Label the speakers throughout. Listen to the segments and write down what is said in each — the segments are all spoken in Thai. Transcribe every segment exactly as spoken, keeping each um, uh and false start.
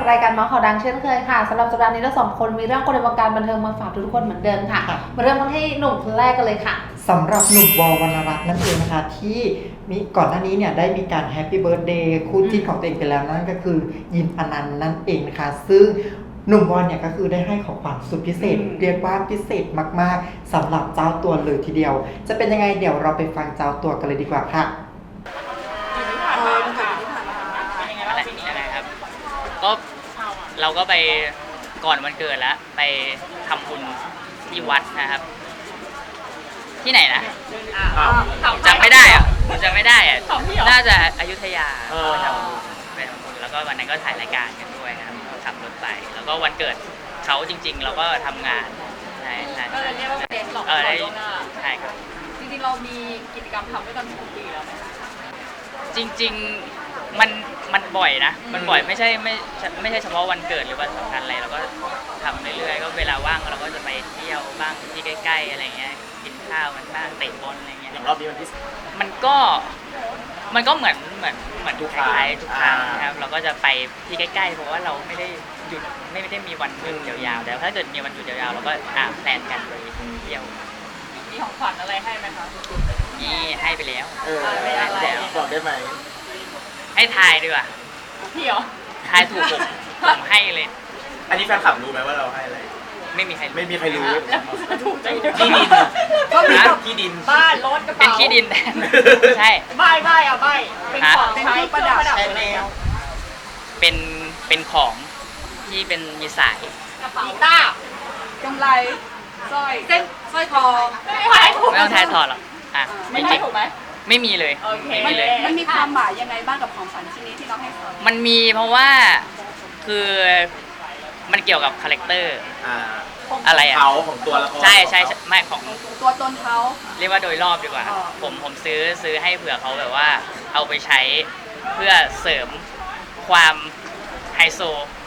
Speaker 1: รายการเมาส์ข่าวดังเช่นเคยค่ะสำหรับสัปดาห์นี้เราสองคนมีเรื่องคนในวงการบันเทิงมาฝากทุกคนเหมือนเดิมค่ะมาเริ่มกันที่หนุ่มคนแรกกันเลยค่ะ
Speaker 2: สำหรับหนุ่มวอลวรรณรัตน์นั่นเองนะคะที่มีก่อนหน้านี้เนี่ยได้มีการแฮปปี้เบิร์ธเดย์คู่จิ้นของตัวเองไปแล้วนั่นก็คือยินอนันต์นั่นเองนะคะซึ่งหนุ่มวอลเนี่ยก็คือได้ให้ของขวัญสุดพิเศษเรียกว่าพิเศษมากๆสำหรับเจ้าตัวเลยทีเดียวจะเป็นยังไงเดี๋ยวเราไปฟังเจ้าตัวกันเลยดีกว่าค่ะ
Speaker 3: อะไรยังไงครับก็เราก็ไปก่อนวันเกิดแล้วไปทำบุญที่วัดนะครับที่ไหนนะจำไม่ได้อะจำไม่ได้อะน่าจะอยุธยาไปทำบุญไปทำบุญแล้วก็วันนั้นก็ถ่ายรายการกันด้วยครับขับรถไปแล้วก็วันเกิดเขาจริงๆเราก็ทำงานใช่ใช่ใช่เรียกว่าเป็นหลอกเออได้ใช่ครับ
Speaker 4: จริงๆเรามีกิจกรรมทำด้วยกันทุกปีแล้วไหม
Speaker 3: จริงๆมันมันบ่อยนะมันบ่อยไม่ใช่ไม่ไม่ใช่เฉพาะวันเกิดหรือวันสำคัญอะไรเราก็ทำเรื่อยๆก็เวลาว่างเราก็จะไปเที่ยวบ้างที่ใกล้ๆอะไรเงี้ยกินข้าวกันบ้างเตะบอลอะไรเงี้ย
Speaker 5: อย่างรอบนี้วันที่
Speaker 3: มันก็มันก็เหมือนเหมือนเหมือนทุกครั้งทุกครั้งนะครับเราก็จะไปที่ใกล้ๆเพราะว่าเราไม่ได้หยุดไม่ได้มีวันหยุดยาวๆแต่ถ้าเกิดมีวันหยุดยาวๆเราก็อ่าแพลนกันไปเที่ยว
Speaker 4: มีของขวัญอะไรให้ไหมคะ
Speaker 3: นี่ให้ไปแล้ว
Speaker 5: เออให้แล้วบอกได้ไหม
Speaker 3: ให้ทายดีกว่า
Speaker 4: พี่เหรอ
Speaker 3: ทายถูกผมผมให้เลย
Speaker 5: อันนี้แฟนคลับรู้ไหมว่าเราให้อะไร
Speaker 3: ไม่มีใคร
Speaker 5: ไม่มีใครรู้
Speaker 4: แล้วถูกใจ
Speaker 5: ที่ดิน
Speaker 4: ก็มี
Speaker 5: ที่ดิน
Speaker 4: บ้านรถกระเป๋า
Speaker 3: เป็นที่ดินแทนใช่
Speaker 4: ใบใบอ่ะใบเป็นของใช้ประดับอะไร
Speaker 3: เป็นเป็นของที่เป็นมีสาย
Speaker 4: กระเป๋าต้ากำไรสร้อยเส้นสร้อยคอไม่ถูก
Speaker 3: ไม่ต้องทายถอดหรอกอ่ะ
Speaker 4: ไม่ใช่ถูกไหม
Speaker 3: ไม่มีเลยไม่มีเลย
Speaker 4: มันมีความหมายยังไงบ้างกับของขวัญชิ้นนี้ที่เราให้เขา
Speaker 3: มันมีเพราะว่าคือมันเกี่ยวกับคาแรคเตอร์อะไรอะ
Speaker 5: เขาของตัวละคร
Speaker 3: ใช่ใช่ไม่ของ
Speaker 4: ตัวตนเขา
Speaker 3: เรียกว่าโดยรอบดีกว่าผมผมซื้อซื้อให้เผื่อเขาแบบว่าเอาไปใช้เพื่อเสริมความไฮโซ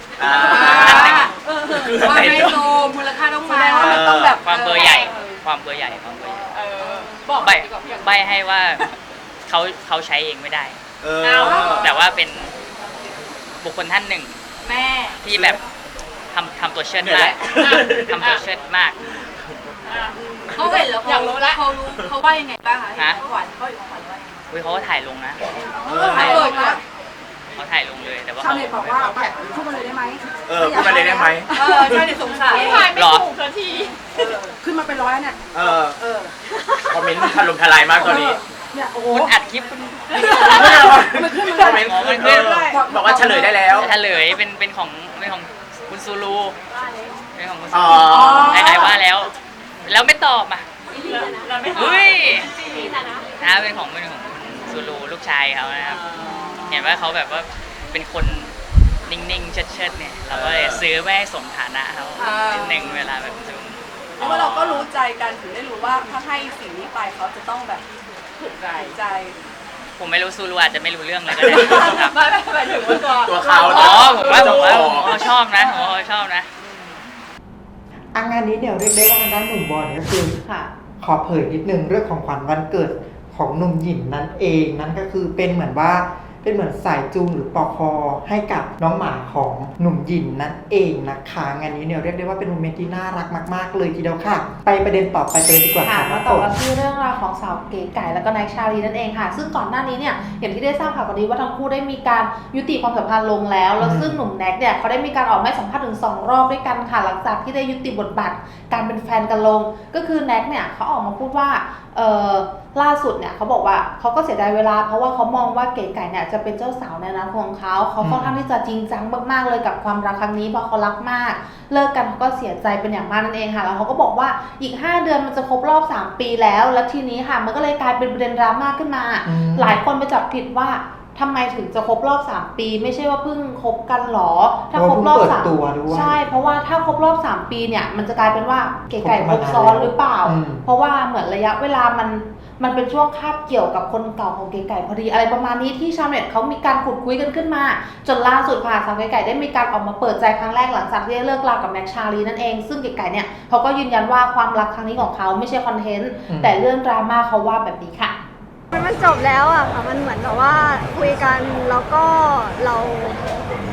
Speaker 4: ความไฮโซมูลค่าต้องมาต้องแบบ
Speaker 3: ความเบอร์ใหญ่ความเบอร์ใหญ่ความเบอร์ใหญ่ใบใบให้ว่าเขาเขาใช้เองไม่ได้แต่ว่าเป็นบุคคลท่านหนึ่ง
Speaker 4: แม่
Speaker 3: ที่แบบทำทำตัวเชิดมากทำตัวเชิดมาก
Speaker 4: เขาเห็นแล้วเขารู้แล้วเขารู้เขาว่ายังไงบ้างคะเขาหวานเขาอยู่หวานว่า
Speaker 3: อุ้ยเขาก็ถ่ายลงนะ
Speaker 4: ถ่ายลงนะ
Speaker 3: เขาถ่ายลงเลยแต่ว่า
Speaker 4: ชาวเน็ตบอกว่าพูดมาเลยได้ไหม
Speaker 5: เออพูดมาเลยได้ไหม
Speaker 4: เออชาวเน็ตสงสัยถ่ายไม่ถูกสักทีขึ้นมาเป็นร้อยเนี่ย
Speaker 5: เออเออคอมเมนต์ถล่มทลายมากตอนนี้
Speaker 3: เนี่ยโอ้คุณอัดคลิปคุณ
Speaker 5: มันขึ้นคอมเมนต์ขึ้นบอกว่าเฉลยได้แล้ว
Speaker 3: เฉลยเป็นเป็นของเป็นของคุณซูรูเป็นของคุณซูรูไอ้ว่าแล้วแล้วไม่ตอบอ่ะเฮ้ยนะเป็นของเป็นของซูรูลูกชายเขานะครับเห็นว่าเขาแบบว่าเป็นคนนิ่งๆเชิดๆเนี่ยเราก็เลยซื้อไว้ให้สมฐานะเขานิดนึงเวลาแบบซื้อ
Speaker 4: เพราะว่าเราก็รู้ใจกันถึงได้รู้ว่าถ้าให้สิ่งนี้ไปเขาจะต้องแบบถูกใจ
Speaker 3: ผมไม่รู้ซูรูอาจจะไม่รู้เรื่องเลยก็ได้ครับ
Speaker 4: ไม่ไม่ไม่ถึงว่าตัว
Speaker 5: ตัวเขา
Speaker 3: อ๋อผมว่าผมว่าเขาชอบนะผมว่าเขาชอบนะ
Speaker 2: อันงานนี้เดี๋ยวเรียกได้ว่าด้านหนุ่มบอลก็คือขอเผยนิดนึงเรื่องของขวัญวันเกิดของหนุ่มหยินนั่นเองนั่นก็คือเป็นเหมือนว่าเป็นเหมือนสายจูงหรือปอคอให้กับน้องหมาของหนุ่มหยินนั่นเองนะคะงานนี้เนี่ยเรียกได้ว่าเป็นโมเมนต์ที่น่ารักมากๆเลยทีเดียวค่ะไปประเด็นต่อไปเลยดีกว่า
Speaker 1: ค่ะมาต่อกันที่เรื่องราวของสาวเก๋ไก่แล้วก็นายชาลีนั่นเองค่ะซึ่งก่อนหน้านี้เนี่ยอย่างที่ได้ทราบข่าวกันดีว่าทั้งคู่ได้มีการยุติความสัมพันธ์ลงแล้วแล้วซึ่งหนุ่มแน็กเนี่ยเขาได้มีการออกมาสัมภาษณ์ถึงสองรอบด้วยกันค่ะหลังจากที่ได้ยุติบทบาทการเป็นแฟนกันลงก็คือแน็กเนี่ยเขาออกมาพูดว่าเออล่าสุดเนี่ยเขาบอกว่าเขาก็เสียดายเวลาเพราะว่าเขามองว่าเก๋ไก่เนี่ยจะเป็นเจ้าสาวในอนาคตของเขาเขาค่อนข้างที่จะจริงจังมากๆเลยกับความรักครั้งนี้เพราะเขารักมากเลิกกันเขาก็เสียใจเป็นอย่างมากนั่นเองค่ะแล้วเขาก็บอกว่าอีกห้าเดือนมันจะครบรอบสามปีแล้วแล้วทีนี้ค่ะมันก็เลยกลายเป็นประเด็นดราม่าขึ้นมาหลายคนไปจับผิดว่าทำไมถึงจะครบรอบสามปีไม่ใช่ว่าเพิ่งคบกันหรอถ้าครบรอบสามใช่เพราะว่าถ้าครบรอบสามปีเนี่ยมันจะกลายเป็นว่าเก๋ไก่ครบซ้อนหรือเปล่าเพราะว่าเหมือนระยะเวลามันมันเป็นช่วงคาบเกี่ยวกับคนเก่าของเก๋ไก่พอดีอะไรประมาณนี้ที่ชาวเน็ตเขามีการขุดคุยกันขึ้นมาจนล่าสุดค่ะสาวเก๋ไก่ได้มีการออกมาเปิดใจครั้งแรกหลังจากที่ได้เลิกรากับแน็กชาลีนั่นเองซึ่งเก๋ไก่เนี่ยเขาก็ยืนยันว่าความรักครั้งนี้ของเขาไม่ใช่คอนเทนต์แต่เรื่องดราม่าเขาว่าแบบนี้ค่ะ
Speaker 6: มันจบแล้วอะค่ะมันเหมือนแบบว่าคุยกันแล้วก็เราหยุด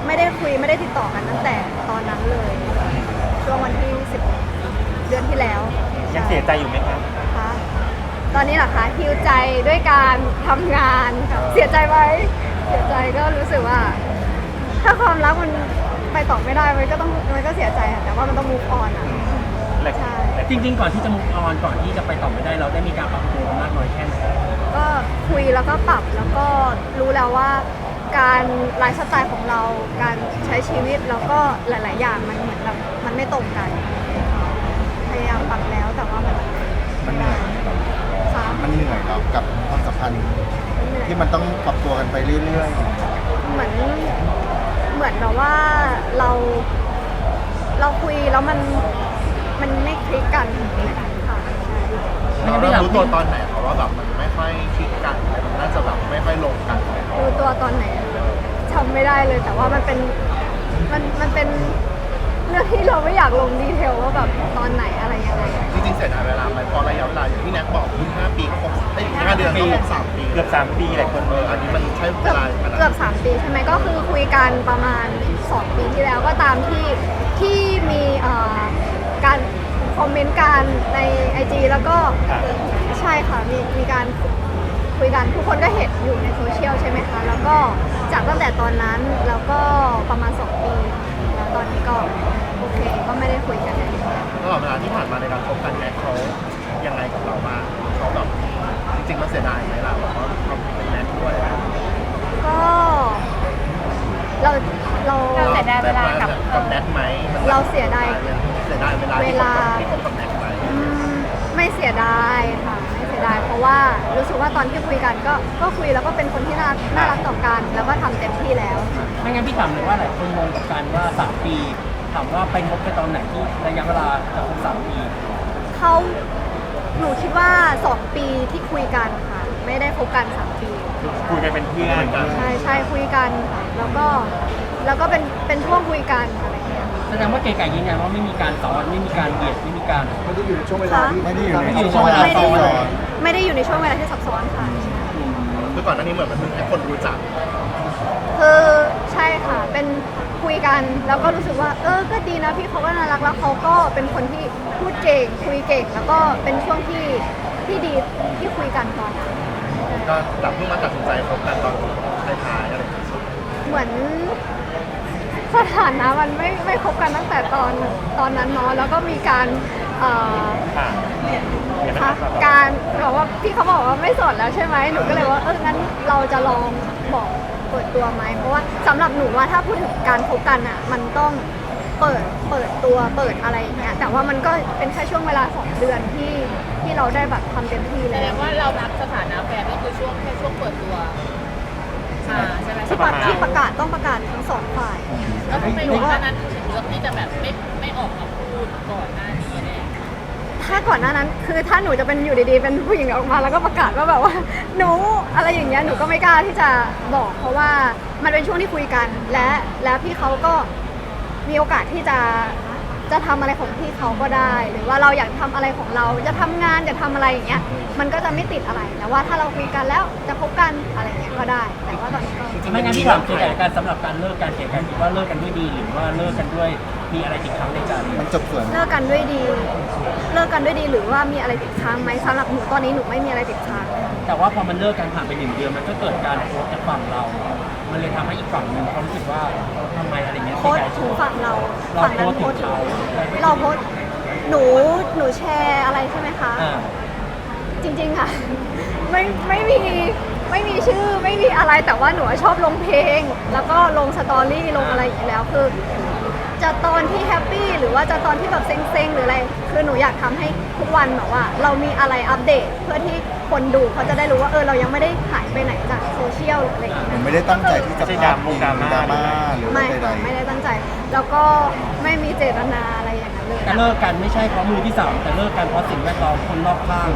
Speaker 6: ไม่ได้คุยไม่ได้ติดต่อกันตั้งแต่ตอนนั้นเลย ช่วงวันที่สิบเดือนที่แล้ว
Speaker 5: ยังเสียใจอยู่ไหมครับ
Speaker 6: คะตอนนี้เหรอคะฮิวใจด้วยการทำงานค่ะเสียใจไหมเสียใจก็รู้สึกว่า ถ้าความรักมันไปต่อไม่ได้มันก็ต้องมันก็เสียใจค่ะแต่ว่ามันต้อง move on อ่ะใช่
Speaker 7: จริงๆ ก่อนที่จะมุกออนก่อนที่จะไปต่อไม่ได้เราได้มีการปรับตัวมากน้อยแค่ไหน
Speaker 6: ก็คุยแล้วก็ปรับแล้วก็รู้แล้วว่า การไลฟ์สไตล์ของเราการใช้ชีวิตแล้วก็หลาย ๆ อย่างมันเหมือนแบบมันไม่ตรงกัน พยายามปรับแล้วแต่ว่ามัน
Speaker 8: มันเหนื่อย
Speaker 6: ค่ะ
Speaker 8: มันเหนื่อยแล้วกับความสัมพันธ์
Speaker 6: เหนื่อย
Speaker 8: ที่มันต้องปรับตัวกันไปเรื่อย
Speaker 6: เหมือนเหมือนแบบว่าเราเราคุยแล้วมันมันไม่คลิกกันค่ะใช่
Speaker 8: ๆเราเริ่มรู้ตัวตอนไหนเพราะว่าแบบมันไม่ค่อยคลิกกันมันน่าจะแบบไม่ค่อยลงกัน
Speaker 6: รู้ตัวตอนไหนจำไม่ได้เลยแต่ว่ามันเป็นมันมันเป็นเรื่องที่เราไม่อยากลงดีเทลว่าแบบตอนไหนอะไรยังไง
Speaker 8: จริงๆเสียดายเวลาไหมพอระยะเวลาอย่างที่แน็กบอกคุณห้าปีก็ครบเอ้ยห้าเดือนก็ครบสามปี
Speaker 5: เกือบสามปีหลายคน
Speaker 8: เอออันนี้มันใช้เว
Speaker 6: เกือบ
Speaker 8: ลาขนาด
Speaker 6: เกือบ
Speaker 8: นั้น
Speaker 6: สามปีใช่ไหมก็คือคุยกันประมาณสองปีที่แล้วก็ตามที่ที่มีเอ่อการคอมเมนต์กันใน ไอ จี แล้วก็ใช่ค่ะมีมีการคุยกันทุกคนก็เห็นอยู่ในโซเชียลใช่ไหมคะแล้วก็จากตั้งแต่ตอนนั้นแล้วก็ประมาณสองปีแล้วตอนนี้ก็โอเคก็ไม่ได้คุยกันเลย
Speaker 8: ตลอดเวลาที่ผ่านมาในการคบกันแน็กเขายังไงกับเราบ้างเขาแบบจริงๆมันเสียดายไหมล่ะแบบว่าเขาเป็นแน็กด้วย
Speaker 6: ก็เราเรา
Speaker 1: เราเสียดายเวลากับ
Speaker 8: กับแน็กไหมมันแบบ
Speaker 6: เราเสียดาย
Speaker 8: เสียดายเวลา
Speaker 6: เว
Speaker 8: ที่คบ
Speaker 6: ลา
Speaker 8: กับที่คบกับแน็กไหม
Speaker 6: อืมไม่เสียดายค่ะไม่เสียดายเพราะว่ารู้สึกว่าตอนที่คุยกันก็ก็คุยแล้วก็เป็นคนที่น่าน่ารักต่อกันแล้วก็ทำเต็มที่แล้ว
Speaker 7: ไม่งั้นพี่ถามเลยว่าหลายคนงงกับการว่าสามปีถามว่าไปงบกันตอนไหนที่ระยะเวลาจะครบสามปี
Speaker 6: เขาหนูคิดว่าสองปีที่คุยกันค่ะ ไม่ได้คบกันสามปี
Speaker 5: คุยกันเป็นเพื่อน
Speaker 6: ใช่ใช่คุยกันค่ะแล้วก็แล้วก็เป็นเป็นช่วงคุยกันอะไรอย่างเงี้ย
Speaker 7: แสดงว่าเก๋ไก่ยืนยันว่าไม่มีการซ้อนไม่มีการเบียดไม่มีการ
Speaker 8: ไม่ได้อยู่ในช่วงเวลาที่
Speaker 6: ค่ะ
Speaker 8: ไม่ได้อยู่ใน
Speaker 7: ไม่ได้อยู่
Speaker 8: ช่วงเวลา
Speaker 6: ไม่ได้
Speaker 8: ซ้
Speaker 6: อยู่
Speaker 8: อน
Speaker 6: ไม่ได้อยู่ในช่วงเวลาที่ซับซ้อนค่ะ
Speaker 8: คือก่อนหน้านี้เหมือนมันเพิ่งให้คนรู้จัก
Speaker 6: คือใช่ค่ะ เป็นคุยกันแล้วก็รู้สึกว่า เออ ก็ดีนะพี่เขาก็น่ารักแล้วเขาก็เป็นคนที่พูดเก่งคุยเก่ง แล้วก็เป็นช่วงที่ที่ดีที่คุยกันตอนนั้น
Speaker 8: ก็จับเพิ่งมาตัดสินใจคบกันตอนท้ายๆอะไรอย่างเงี้ย
Speaker 6: เหมือนสถานะมันไม่ไม่คบกันตั้งแต่ตอนตอนนั้นเนาะแล้วก็มีการเอ่อ
Speaker 5: ค่ะ
Speaker 6: คะการบอกว่าพี่เขาบอกว่าไม่โสดแล้วใช่ไหมหนูก็เลยว่าเอองั้นเราจะลองบอกเปิดตัวไหมเพราะว่าสำหรับหนูว่าถ้าพูดถึงการคบกันอ่ะมันต้องเปิดเปิดตัวเปิดอะไรอย่างเงี้ยแต่ว่ามันก็เป็นแค่ช่วงเวลาสองเดือนที่ที่เราได้แบบทำเต็มที่
Speaker 9: แส
Speaker 6: แล้
Speaker 9: ด
Speaker 6: ว
Speaker 9: งว่าเรานับสถานะแฟนก็คือช่วงแค่ช่วงเปิดตัวอ่าใช่ไหม
Speaker 6: ที่ประที่ประกาศต้องประกาศทั้งสองฝ่าย
Speaker 9: แล้วทำไมก่อนหน้านั้นถึงเลือกที่จะแบบไม่ไม่ออกมาพูดก่อนหน้านี้เนี่ย
Speaker 6: ถ้าก่อนหน้านั้นคือถ้าหนูจะเป็นอยู่ดีๆเป็นผู้หญิงออกมาแล้วก็ประกาศว่าแบบว่า หนูอะไรอย่างเงี้ยหนูก็ไม่กล้าที่จะบอกเพราะว่ามันเป็นช่วงที่คุยกันและแล้วพี่เขาก็มีโอกาสที่จะจะทำอะไรของพี่เขาก็ได้ หรือว่าเราอยากทำอะไรของเราจะทำงานจะทำอะไรอย่างเงี้ยมันก็จะไม่ติดอะไรแต่ว่าถ้าเราคุยกันแล้วจะพบกันอะไรอย่างเงี้ยก็ได้ แต่ว่าตอนนี้ก็
Speaker 7: ไม่งั้นพี่ถามเก๋ไก่การสำหรับการเลิกการเก๋ไก่คิดว่าเลิกกันด้วยดีหรือว่าเลิกกันด้วยมีอะไรติดค้างในใจ
Speaker 8: มันจบส่วน
Speaker 6: เลิกกันด้วยดี เลิกกันด้วยดีหรือว่ามีอะไรติดค้างไหมสำหรับหนูตอนนี้หนูไม่มีอะไรติดค้าง
Speaker 7: แต่ว่าพอมันเลิกกันผ่านไปหนึ่งเดือนมันก็เกิดการโพสต์จากฝั่งเรา มันเลยทำให้อีกฝั่งหนึ่งเขารู้สึกว่าทำไมอะไรเงี้ย
Speaker 6: โพสต์ถึงฝั่งเรา
Speaker 7: เรา
Speaker 6: ฝั่ง
Speaker 7: โพ
Speaker 6: นั้น
Speaker 7: สต์
Speaker 6: โพ
Speaker 7: ถึ
Speaker 6: ส
Speaker 7: ง
Speaker 6: ต์ถึง
Speaker 7: เขา
Speaker 6: เราโพสต์หนูหนูแชร์อะไรใช่ไหมคะ
Speaker 7: อ่า
Speaker 6: จริงๆอะ ไม่ไม่มีไม่มีชื่อไม่มีอะไรแต่ว่าหนูชอบลงเพลง แล้วก็ลงสตอรี่ลงอะไรอย่างนี้แล้วคือ จะตอนที่แฮปปี้หรือว่าจะตอนที่แบบเซ็งๆหรืออะไรคือหนูอยากทำให้ทุกวันแบบว่า เรามีอะไรอัปเดตเพื่อที่คนดูเขาจะได้รู้ว่าเออเรายังไม่ได้หายไปไหนจากโซเชียลหรืออะไรอย่างเงี้ย
Speaker 8: ผมไม่ได้ตั้งใจที่จะ
Speaker 5: ไม่ใช่ดราม่งดราม่า
Speaker 8: ดราม่าหรือ
Speaker 6: ไม่
Speaker 8: ใด
Speaker 6: ค่ะไม่ได้ตั้งใจ แล้วก็ไม่มีเจตนาอะไรอย่างนั้นเลย
Speaker 7: แต่เลิกกันไม่ใช่เพราะมือที่สามแต่เลิกกันเพราะสิ่งแวดล้อมคนรอบข้าง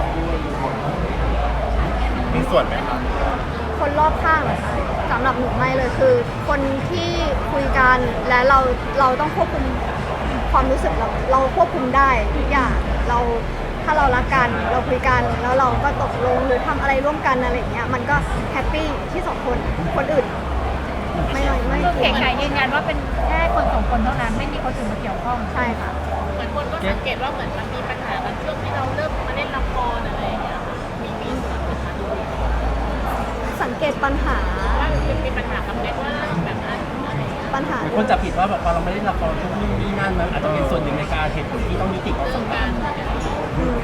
Speaker 8: ๆมีส่วนไหมครับ
Speaker 6: คนรอบข้างเหรอคะสำหรับหนูไม่เลยคือ คนที่คุยกันและเราเราต้องควบคุมความรู้สึกเราเราควบคุมได้ทุกอย่างเราถ้าเรารักกันเราคุยกันแล้วเราก็ตกลงหรือทำอะไรร่วมกันอะไรอย่างเงี้ยมันก็แฮปปี้ที่สองคนคนอื่นไม่ไม่ไม่
Speaker 9: คือเก๋ไก่ยืนยันว่าเป็นแค่คนสองคนเท่านั้นไม่มีคนอื่นมาเกี่ยวข้อง
Speaker 6: ใช่ค่ะ
Speaker 9: เหมือนคนก็สังเกตว่าเหมือนมันมีปัญหากันช่วงที่เราเริ่มมาเล่นละครอะไรอย่างเงี้ยมีมีส่วนปัญหาด้วย
Speaker 6: สังเกตปัญหา
Speaker 9: ว่ามันมีปัญหากับเด็กว่าแบบนั้นอะไรอย่างเงี้ย
Speaker 6: ปัญหา
Speaker 7: หลายคนจับผิดว่าแบบพอเราไม่ได้ละครทุกนู่นนี่นั่นมันอาจจะเป็นส่วนหนึ่งในการเหตุผลที่ต้องยุติความสัมพันธ์
Speaker 6: อืม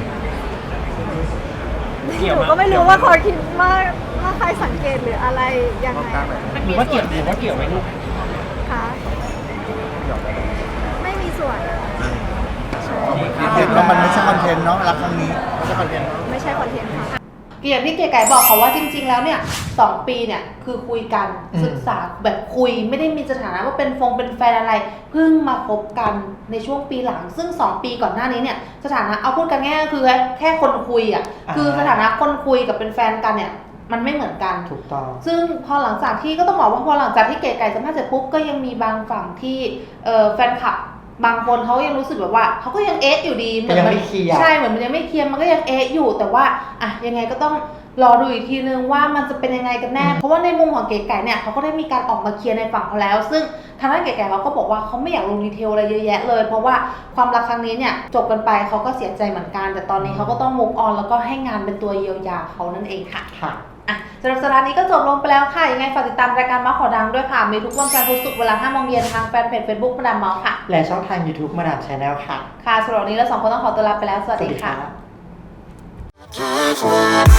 Speaker 7: เกี่ยว
Speaker 6: หนู
Speaker 7: มั้ย
Speaker 6: ก็ไม่รู้ว่าเขาคิดว่าว่าใครสังเกตหรืออะไรยังไง
Speaker 7: หรือว่าเกี่ยวหรือว่าเกี่ยวไหมลูก
Speaker 6: คะไม่มีส่วน
Speaker 8: เห็นว่ามันไม่ใช่คอนเทนต์เนาะรักครั้งนี้ไม่ใช่คอนเทนต์
Speaker 6: ไม่ใช่คอนเทนต์ค่ะ
Speaker 1: อย่างที่เก๋ไก่บอกเขาว่าจริง ๆ แล้วเนี่ยสองปีเนี่ยคือคุยกัน
Speaker 2: อืม
Speaker 1: ศึกษาแบบคุยไม่ได้มีสถานะว่าเป็นฟงเป็นแฟนอะไรเพิ่งมาคบกันในช่วงปีหลัง ซึ่งสองปีก่อนหน้านี้เนี่ยสถานะเอาพูดกันง่ายๆก็คือแค่คนคุยอ่ะคือสถานะคนคุยกับเป็นแฟนกันเนี่ยมันไม่เหมือนกัน
Speaker 2: ถูกต้อง
Speaker 1: ซึ่งพอหลังจากที่ก็ต้องบอกว่าพอหลังจากที่เก๋ไก่สัมภาษณ์เสร็จปุ๊บก็ยังมีบางฝั่งที่เอ่อแฟนคลับบางคนเขายังรู้สึกแบบว่าเขาก็ยังเอ๊ะอยู่ดีเหมือน
Speaker 2: ยัง
Speaker 1: มั
Speaker 2: ไม่เคลียร์
Speaker 1: ใช่เหมือนมันยังไม่เคลียร์มันก็ยังเอ๊ะอยู่แต่ว่าอ่ะยังไงก็ต้องรอดูอีกทีนึงว่ามันจะเป็นยังไงกันแน่เพราะว่าในมุมของเก๋ไก่เนี่ยเขาก็ได้มีการออกมาเคลียร์ในฝั่งเขาแล้ว ซึ่งทางด้านเก๋ไก่เขาก็บอกว่าเขาไม่อยากลงดีเทลอะไรเยอะแยะเลยเพราะว่าความรักครั้งนี้เนี่ยจบกันไปเขาก็เสียใจเหมือนกันแต่ตอนนี้เขาก็ต้อง move on แล้วก็ให้งานเป็นตัวเยียวยาเขานั่นเองค่ะ
Speaker 2: ค่ะ
Speaker 1: อ่ะสำหรับสัปดาห์นี้ก็จบลงไปแล้วค่ะ ยังไงฝากติดตามรายการเมาส์ขอดังด้วยค่ะ มีทุกวันจันทร์พุธศุกร์เวลาห้าโมงเย็นทางแฟนเพจ Facebook มาดามเมาส์ค่ะ
Speaker 2: และช่องทาง YouTube มาดามชาแนลค่ะ
Speaker 1: ค่ะสำหรับวันนี้เราสองคนต้องขอตัวลาไปแล้ว สวัสดีค่ะ
Speaker 2: สวัสดีค่ะ